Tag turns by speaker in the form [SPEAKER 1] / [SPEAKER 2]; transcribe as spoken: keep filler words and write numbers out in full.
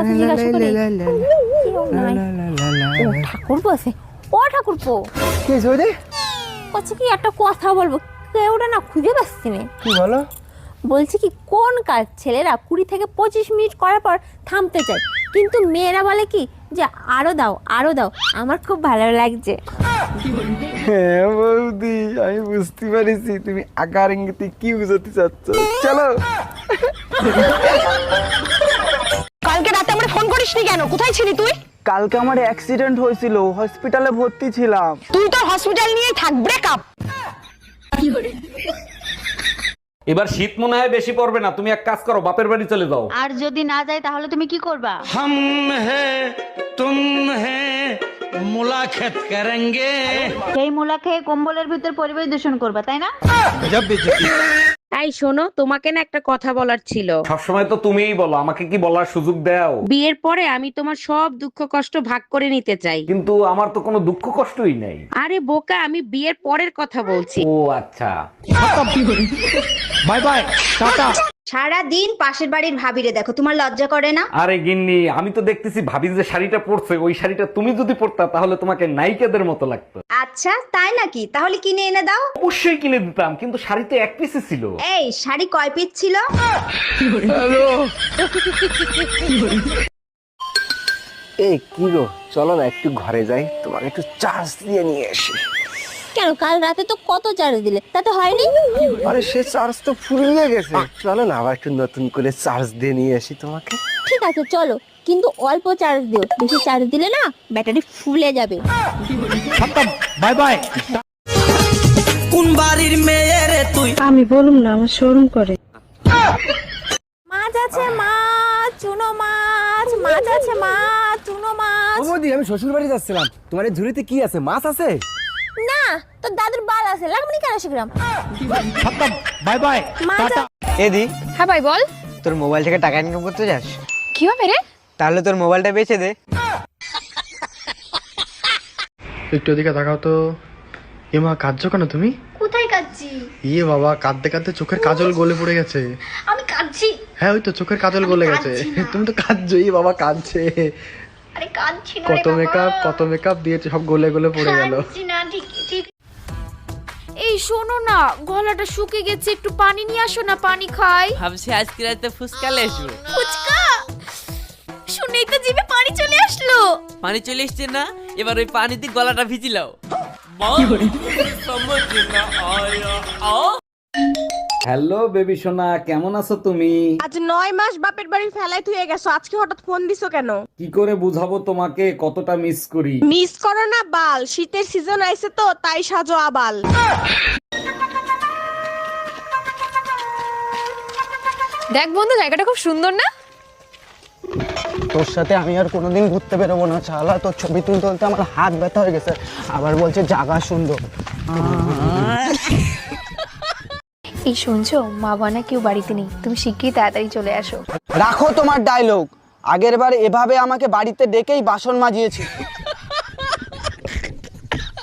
[SPEAKER 1] জিজ্ঞাসা করি ঠাকুর বসে ও ঠাকুরপো
[SPEAKER 2] কি হয়েছে?
[SPEAKER 1] বলছি কি একটা কথা বলবো, কেউটা না খুঁজে পাচ্ছি না।
[SPEAKER 2] কি বলো?
[SPEAKER 1] বলছি কি কোন কাজ ছেলেরা কুড়ি থেকে পঁচিশ মিনিট করার পর থামতে চায়, কিন্তু মেয়েরা বলে কি যে আরো দাও আরো দাও। আমার খুব ভালো লাগছে।
[SPEAKER 2] হ্যাঁ বৌদি, আমি বুঝতে পারিছি তুমি আকার ইঙ্গিতে কি বুঝাতে চাচ্ছ। চলো।
[SPEAKER 3] কালকে রাতে আমরা ফোন করিসনি কেন? কোথায় ছিলি তুই?
[SPEAKER 2] কালকে আমার অ্যাক্সিডেন্ট হয়েছিল, হসপিটালে ভর্তি ছিলাম।
[SPEAKER 3] তুই তো হসপিটাল নিয়ে থাক। ব্রেকআপ।
[SPEAKER 4] এবার শীত মনে হয় বেশি পড়বে না, তুমি এক কাজ করো, বাপের বাড়ি চলে যাও।
[SPEAKER 5] আর যদি না যায় তাহলে তুমি কি করবা?
[SPEAKER 6] हम हैं तुम हैं मुलाकात करेंगे।
[SPEAKER 5] সেই মুলা খেয়ে কম্বলের ভিতর পরিবেশ দূষণ করবা, তাই না?
[SPEAKER 7] এই শোনো, তোমাকে না একটা কথা বলার ছিল।
[SPEAKER 4] সবসময় তো তুমিই বলো, আমাকে কি বলার সুযোগ দাও?
[SPEAKER 7] বিয়ের পরে আমি তোমার সব দুঃখ কষ্ট ভাগ করে নিতে চাই।
[SPEAKER 4] কিন্তু আমার তো কোনো দুঃখ কষ্টই নাই।
[SPEAKER 7] আরে বোকা, আমি বিয়ের পরের কথা বলছি।
[SPEAKER 4] ও আচ্ছা।
[SPEAKER 6] Bye bye Tata.
[SPEAKER 5] সারা দিন পাশের বাড়ির ভাবিরে দেখো, তোমার লজ্জা করে না?
[SPEAKER 4] আরে গিন্নি, আমি তো দেখতেছি ভাবি যে শাড়িটা পরছে, ওই শাড়িটা তুমি যদি পরতা তাহলে তোমাকে নায়িকাদের মতো লাগতো।
[SPEAKER 5] আচ্ছা তাই নাকি? তাহলে কিনে এনে দাও।
[SPEAKER 4] অবশ্যই কিনে দিতাম, কিন্তু শাড়ি তো এক পিসে ছিল।
[SPEAKER 5] এই শাড়ি কয় পিস ছিল?
[SPEAKER 2] এই কি গো, চলো না একটু ঘরে যাই, তোমাকে একটু চার্জ দিয়ে নিয়ে আসি।
[SPEAKER 1] কেন, কাল রাতে তো কত চার্জ দিলে, তাতে হয়নি?
[SPEAKER 2] আরে সে চার্জ তো ফুরিয়ে গেছে, চলো না আবার একটু নতুন করে চার্জ দিয়ে নিয়ে আসি তোমাকে।
[SPEAKER 1] ঠিক আছে চলো, কিন্তু অল্প চার্জ দিও, বেশি চার্জ দিলে না ব্যাটারি ফুলে যাবে।
[SPEAKER 6] Bye bye.
[SPEAKER 8] কোন বাড়ির মেয়ে রে তুই?
[SPEAKER 3] আমি বলুম না, আমার শোরুম করে।
[SPEAKER 1] মাছ আছে মাছ, চুনো মাছ, মাছ আছে মাছ, চুনো মাছ।
[SPEAKER 2] ও বৌদি, আমি শ্বশুর বাড়ি যাচ্ছিলাম, তোমার এই ঝুড়িতে কি আছে? মাছ আছে?
[SPEAKER 1] না, তোর দাদুর বাল আছে, লাগবে না কেন শিখলাম।
[SPEAKER 6] Bye bye tata.
[SPEAKER 2] এদি,
[SPEAKER 3] হ্যাঁ ভাই বল।
[SPEAKER 2] তোর মোবাইল থেকে টাকা ইনকাম করতে যাস?
[SPEAKER 3] কি হবে রে?
[SPEAKER 2] তাহলে তোর মোবাইলটা বেচে দে।
[SPEAKER 9] একটু ওদিকে তাকাও তো। এমা, কাঁদছো কেন তুমি?
[SPEAKER 5] কোথায় কাচ্ছি?
[SPEAKER 9] ইয়ে বাবা, কাঁদতে কাঁদতে চোখের কাজল গলে পড়ে গেছে।
[SPEAKER 5] আমি কাচ্ছি।
[SPEAKER 9] হ্যাঁ, ওই তো চোখের কাজল গলে গেছে। তুমি তো কাঁদছো। ই বাবা কাঁদছে।
[SPEAKER 5] আরে কাচ্ছি না
[SPEAKER 9] কত মেকআপ কত মেকআপ দিয়েছে, সব গলে গলে পড়ে গেল।
[SPEAKER 5] না, ঠিক ঠিক।
[SPEAKER 7] এই শোনো না, গলাটা শুকিয়ে গেছে, একটু পানি নিয়ে আসো না, পানি খাই।
[SPEAKER 8] ভাবছি আজকে রাতে ফুচকা লেসু।
[SPEAKER 7] ফুচকা শুনেই তো জিভে পানি চলে আসলো।
[SPEAKER 8] পানি চলে এসছে না, এবার ওই পানিতে গলাটা ভিজিলাও।
[SPEAKER 4] হ্যালো বেবি সোনা, কেমন আছো তুমি?
[SPEAKER 3] আজ নয় মাস বাপের বাড়ি ফেলাই তুই গেছো, আজকে হঠাৎ ফোন দিছো কেন?
[SPEAKER 4] কি করে বুঝাবো তোমাকে কতটা মিস করি?
[SPEAKER 3] মিস করো না বাল, শীতের সিজন আইছে তো তাই সাজো আবাল। দেখ বন্ধু, জায়গাটা খুব সুন্দর না?
[SPEAKER 2] তোর সাথে আমি আর কোনোদিন ঘুরতে বেরোবো না, চালা। তোর ছবি তুলতে তুলতে আমার হাত ব্যথা হয়ে গেছে, আবার বলছে জায়গা সুন্দর।
[SPEAKER 3] এই শুনছো, মা বানা কেউ বাড়িতে নেই, তুমি শিগগিরই তাড়াতাড়ি চলে আসো।
[SPEAKER 2] রাখো তোমার ডায়লগ, আগের বার এভাবে আমাকে বাড়িতে ডেকেই বাসন মাজিয়েছি।